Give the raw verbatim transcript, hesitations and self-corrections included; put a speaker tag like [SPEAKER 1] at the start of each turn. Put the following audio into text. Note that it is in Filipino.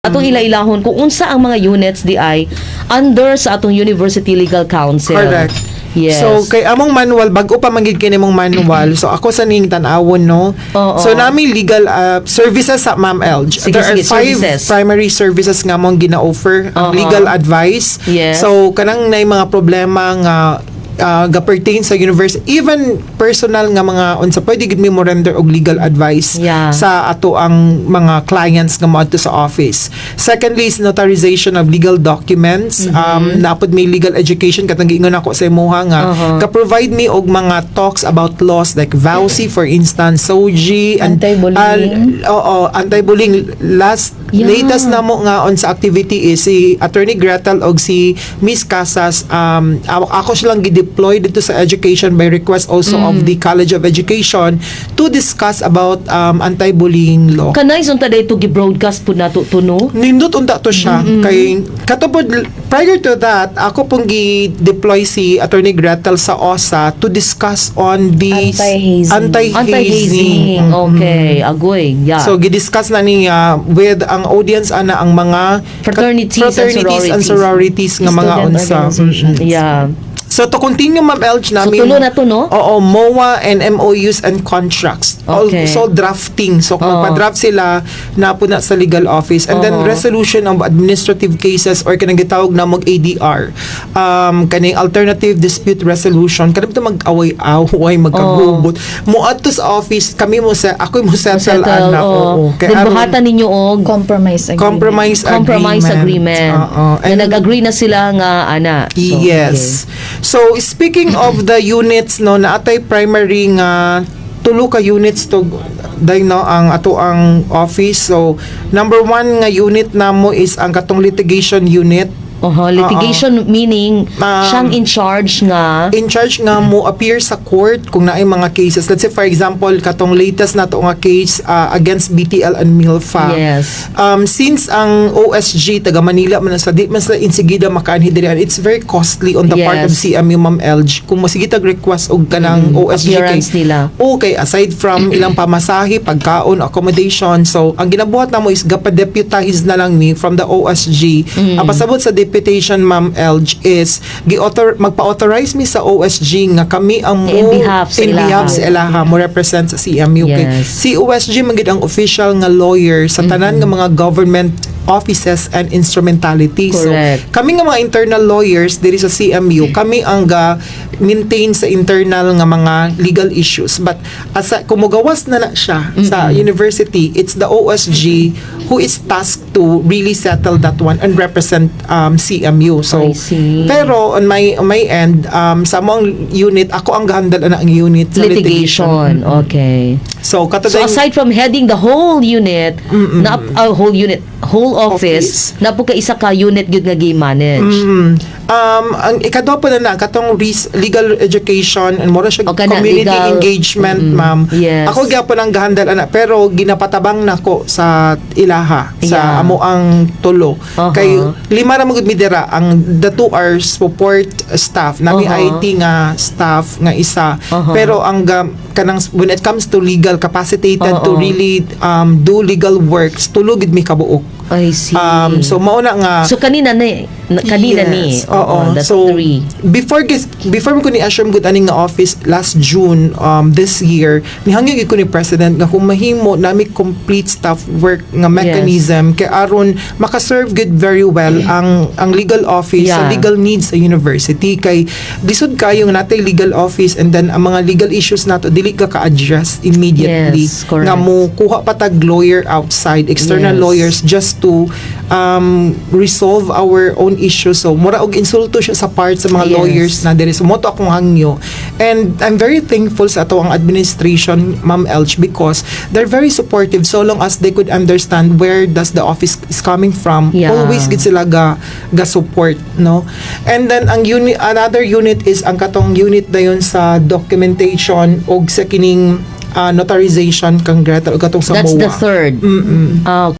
[SPEAKER 1] Atong ila-ilahon kung unsa ang mga units di ay under sa atong University Legal Council.
[SPEAKER 2] Correct.
[SPEAKER 1] Yes.
[SPEAKER 2] So kay among manual bago pa manggid kini mong manual. So ako sa ning tan-awon no.
[SPEAKER 1] Oo.
[SPEAKER 2] So nami legal uh, services sa Ma'am Elj.
[SPEAKER 1] Sige,
[SPEAKER 2] There
[SPEAKER 1] sige,
[SPEAKER 2] are five
[SPEAKER 1] services.
[SPEAKER 2] primary services nga mong gina-offer. Ang
[SPEAKER 1] Oo.
[SPEAKER 2] legal advice.
[SPEAKER 1] Yes.
[SPEAKER 2] So kanang nay mga problema nga uh, ga-pertain sa university, even personal nga mga unsa pwede gid mi mo render og legal advice
[SPEAKER 1] Yeah.
[SPEAKER 2] sa ato ang mga clients nga moadto sa office. Secondly is notarization of legal documents. Um napod may legal education katong giingon ako sa imuha nga
[SPEAKER 1] Uh-huh.
[SPEAKER 2] ka-provide me og mga talks about laws like V A U C for instance, S O G and
[SPEAKER 3] Anti-bullying.
[SPEAKER 2] uh, oo, anti-bullying. Last
[SPEAKER 1] Yeah.
[SPEAKER 2] latest na mo nga on sa activity is si Attorney Gretel og si Miss Casas, um ako, ako silang gi-deploy dito sa education by request also of the College of Education to discuss about um anti-bullying law.
[SPEAKER 1] Kanay sunta day to gi-broadcast pud nato tuno.
[SPEAKER 2] Nindot unta to siya kay katupod prior to that ako pong gi-deploy si Attorney Gretel sa O S A to discuss on the
[SPEAKER 3] Anti-hazing.
[SPEAKER 2] anti-hazing.
[SPEAKER 1] Anti-hazing. Okay, agoy. Yeah.
[SPEAKER 2] So gidiscuss na niya with ang audience ana ang mga
[SPEAKER 1] Fraternities and
[SPEAKER 2] fraternities and sororities nga mga
[SPEAKER 3] Student
[SPEAKER 2] unsa.
[SPEAKER 3] organizations.
[SPEAKER 2] Mm-mm.
[SPEAKER 1] yeah.
[SPEAKER 2] So to continue Ma'am Elj
[SPEAKER 1] So
[SPEAKER 2] namin
[SPEAKER 1] tulo na to no?
[SPEAKER 2] Oo, M O A and M O Us and contracts.
[SPEAKER 1] Okay.
[SPEAKER 2] Also drafting. So kung
[SPEAKER 1] Oo.
[SPEAKER 2] magpa-draft sila na po na sa legal office and then
[SPEAKER 1] Oo.
[SPEAKER 2] resolution of administrative cases or kanang gitawag na mag A D R. Um kaning alternative dispute resolution. Kanang mag-away-away magkagubot. Mo adto sa office kami mo sa ako mo settle
[SPEAKER 1] Settle,
[SPEAKER 2] ana.
[SPEAKER 1] oo.
[SPEAKER 2] Oo.
[SPEAKER 1] Then
[SPEAKER 2] aron-
[SPEAKER 1] buhatan ninyo og
[SPEAKER 3] Compromise agreement.
[SPEAKER 2] compromise
[SPEAKER 1] compromise agreement.
[SPEAKER 2] Oo.
[SPEAKER 1] Na
[SPEAKER 2] And-
[SPEAKER 1] nag-agree na sila nga ana. So,
[SPEAKER 2] Yes. So speaking of the units no naatay primary nga tulo ka units to day no ang ato ang office. So number one nga unit namo is ang katong litigation unit.
[SPEAKER 1] Oho, litigation meaning
[SPEAKER 2] Um,
[SPEAKER 1] siyang in charge nga
[SPEAKER 2] In charge nga mo appear sa court kung naay mga cases. Let's say for example katong latest nato nga case uh, against B T L and Milfa.
[SPEAKER 1] Yes.
[SPEAKER 2] Um, since ang O S G taga Manila man sa di man sila insigida makaanhi diri, it's very costly on the part of
[SPEAKER 1] Yes.
[SPEAKER 2] C M U Ma'am Elj kung masigitag request og kanang O S G
[SPEAKER 1] appearance nila.
[SPEAKER 2] Okay, aside from ilang pamasahe, pagkaon, accommodation, so ang ginabuhat namo is gapa-deputize na lang ni from the O S G. Ang pasabot sa deputation Ma'am Elj is gi-author magpa-authorize mi sa O S G nga kami ang mo
[SPEAKER 1] In behalf sa
[SPEAKER 2] in
[SPEAKER 1] ilaha.
[SPEAKER 2] behalf sa ilaha mo represent sa C M U. Kay
[SPEAKER 1] Yes.
[SPEAKER 2] si O S G magid ang official nga lawyer sa tanan nga mga government offices and instrumentalities.
[SPEAKER 1] Correct.
[SPEAKER 2] So kami nga mga internal lawyers diri sa C M U, kami ang ga maintain sa internal nga mga legal issues. But as a, kumugawas na na siya sa university, it's the O S G who is tasked to really settle that one and represent um, C M U. So
[SPEAKER 1] I see.
[SPEAKER 2] pero on my on my end, um, sa among unit, ako ang gahandal na ang unit sa
[SPEAKER 1] litigation. Okay.
[SPEAKER 2] So
[SPEAKER 1] So
[SPEAKER 2] katong
[SPEAKER 1] aside from heading the whole unit, na uh, whole unit, whole office,
[SPEAKER 2] Office.
[SPEAKER 1] na po ka isa ka unit gyud nga gi-manage.
[SPEAKER 2] Mm. Um, ang ikadwa po na na, katong res- legal education and mora siya
[SPEAKER 1] O kana,
[SPEAKER 2] community
[SPEAKER 1] legal-
[SPEAKER 2] engagement,
[SPEAKER 1] Mm-mm.
[SPEAKER 2] ma'am.
[SPEAKER 1] Yes.
[SPEAKER 2] Ako gyapon ang gahandal ana, pero ginapatabang nako sa ilaha, sa
[SPEAKER 1] Yeah.
[SPEAKER 2] amo ang tulo.
[SPEAKER 1] Uh-huh.
[SPEAKER 2] Kay lima ra magud midira ang the two are support staff, nami
[SPEAKER 1] Uh-huh.
[SPEAKER 2] I T nga staff nga isa.
[SPEAKER 1] Uh-huh.
[SPEAKER 2] Pero ang ga- kanang when it comes to legal capacitated to
[SPEAKER 1] Uh-huh.
[SPEAKER 2] really um, do legal works, tulo gid mi kabuok.
[SPEAKER 1] I see.
[SPEAKER 2] Um, so mauna nga
[SPEAKER 1] so kanina ni na- kanina ni.
[SPEAKER 2] Yes, oo.
[SPEAKER 1] that's
[SPEAKER 2] So,
[SPEAKER 1] three.
[SPEAKER 2] before gis- before ko ni assume gud aning nga office last June um this year, nihangyo gid ko ni president nga kung mahimo nami complete staff work nga mechanism kay aron makaserve good very well ang ang legal office sa
[SPEAKER 1] Yeah.
[SPEAKER 2] legal needs sa university kay lisod kayo nga natay legal office and then ang mga legal issues nato dili ka ka-address immediately.
[SPEAKER 1] Yes, correct.
[SPEAKER 2] Nga mo kuha patag lawyer outside, external
[SPEAKER 1] Yes.
[SPEAKER 2] lawyers just to um, resolve our own issues. So, mura og insulto siya sa part sa mga
[SPEAKER 1] Yes.
[SPEAKER 2] lawyers na diri. So, moto akong hangyo. And I'm very thankful sa ato ang administration, Ma'am Elj, because they're very supportive so long as they could understand where does the office is coming from.
[SPEAKER 1] Yeah.
[SPEAKER 2] Always gid sila ga, ga support, no? And then, ang unit, another unit is ang katong unit dayon sa documentation og sa kining uh, notarization kang Gretel o katong sa
[SPEAKER 1] That's
[SPEAKER 2] M O A.
[SPEAKER 1] the third.
[SPEAKER 2] Mm-mm.
[SPEAKER 1] Ah,